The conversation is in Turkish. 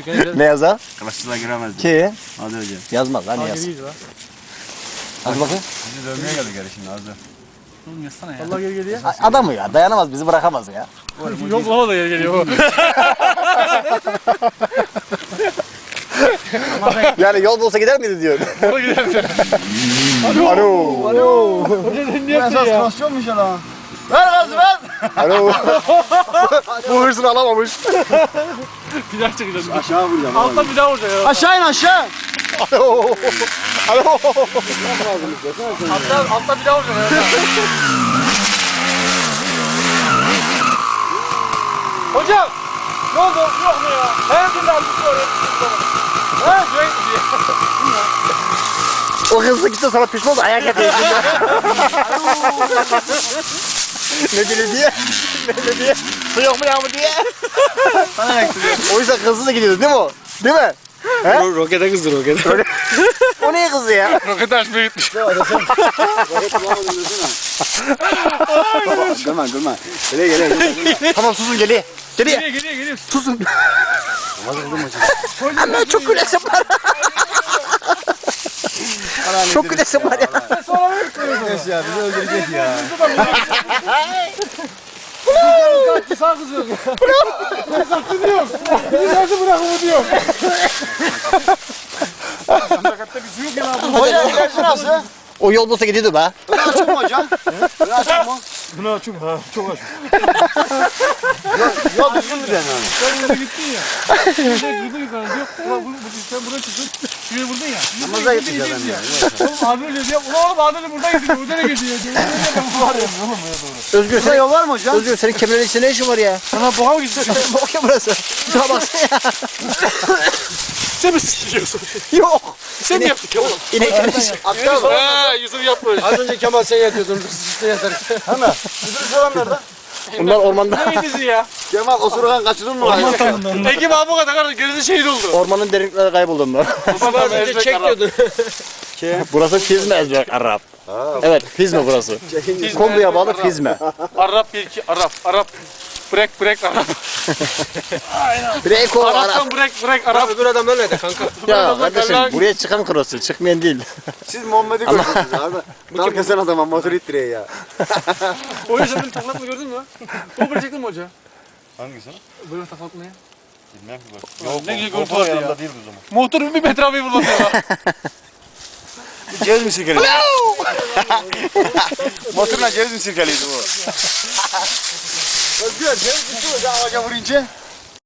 Ne yazar? Kılıççılar giremez. Ki? Hadi hocam. Yazmaz lan yaz. Hadi bakayım. Bizi dövmeye geldi geri şimdi hazır. Oğlum yazsana ya. Allah geri geliyor. Adamı ya dayanamaz bizi bırakamaz ya. Yok lava da geri geliyor bu. Yani yol bulsa gider miydi diyor. Bana gider. Alo. Alo. Hoca sen niye yaptın ya? Krosyonmuş ya lan. Ver gazı ver. Alo. Bu hırsını alamamış. Bir daha çekeceğiz. Aşağı vuracağım. Alttan bir daha vuracak ya. Aşağı in aşağı. Alo. Alo. Alttan bir daha vuracak ya. Hocam. Ne oldu? Yok mu ya? Her türlü aldık oraya. Ha? Güven diye. O hızlı gitti sana pişman oldu ayak yapıyor. Ne dedi diye? Ne diye? Su yok mu ya bu diye? Bana yaktı. O yüzden hızlı da gidiyordu değil mi o? Değil mi? He? Rokete kızdı rokete. O niye kızdı ya? Rokete açmaya gitmiş. Gülme gülme. Gele. Tamam susun geliyor. Geliyor. Geliyor. Susun. Ama çok gülesim var. Çok gülesim var ya. Geç ya bizi öldürecek ya. Kaçtı sağ kızıyoruz ya. Ben sattı diyorum. Bizi nerede bırakımı diyorum. Sakatta bir su yok ya abi. Hocam ilerisi nasıl? O yol bulsa gidiyordu be. Öne açık mı hocam? Öne açık mı? Bunu açım ha. Çok açım. Yol düzgün mü yani? Sen burada gittin ya. Sen gırdın yukarı. Yok. Ulan sen buraya çıktın. Şuraya vurdun ya. Namaza gittik adam ya. Oğlum abi öyle diyor. Ulan oğlum abi buradan gidiyor. Buradan gidiyor. Özgür Burada senin, yol var mı hocam? Özgür senin kemerin içinde ne işin var ya? Sana boğa mı gidiyor? Bok ya burası. Şuna baksana ya. Sen mi sikiyorsun? Yok. Sen mi yaptık ya oğlum? İnek Aktar mı? He Yusuf yapmış. Az önce Kemal sen yatıyordun. Sen yatarken. Hemen. Müdür soran nerede? Bunlar ormanda. Ne bizi ya? Kemal osurgan kaçırdın mı? Ekim abi bu kadar kardeş. Gerisi şehit oldu. Ormanın derinliklerine kayboldu onlar. Baba önce çekiyordu. Burası Fizme Ezberk Arap. Evet Fizme burası. Konduya bağlı Fizme. Arap 1-2 Arap. Break Arap. Breko Arap. Arap'tan break Arap. Öbür adam öyle de kanka. Ya kardeşim buraya çıkan krosu çıkmayan değil. Siz Muhammed'i gördünüz abi. Dal kesen adama motor ittiriyor ya. O yüzden benim taklatma gördün mü? Bu böyle çektin mi hoca? Hangisi? Böyle taklatma ya. Bilmem ki bak. Yok, ne güzel o görüntü vardı ya. yanında değil o zaman. Motoru bir metre abi fırlatıyor ya. Ceviz mi sirkeliydi? Motorla ceviz mi sirkeliydi bu? Özgür ceviz mi sirkeliydi ağaca vurunca?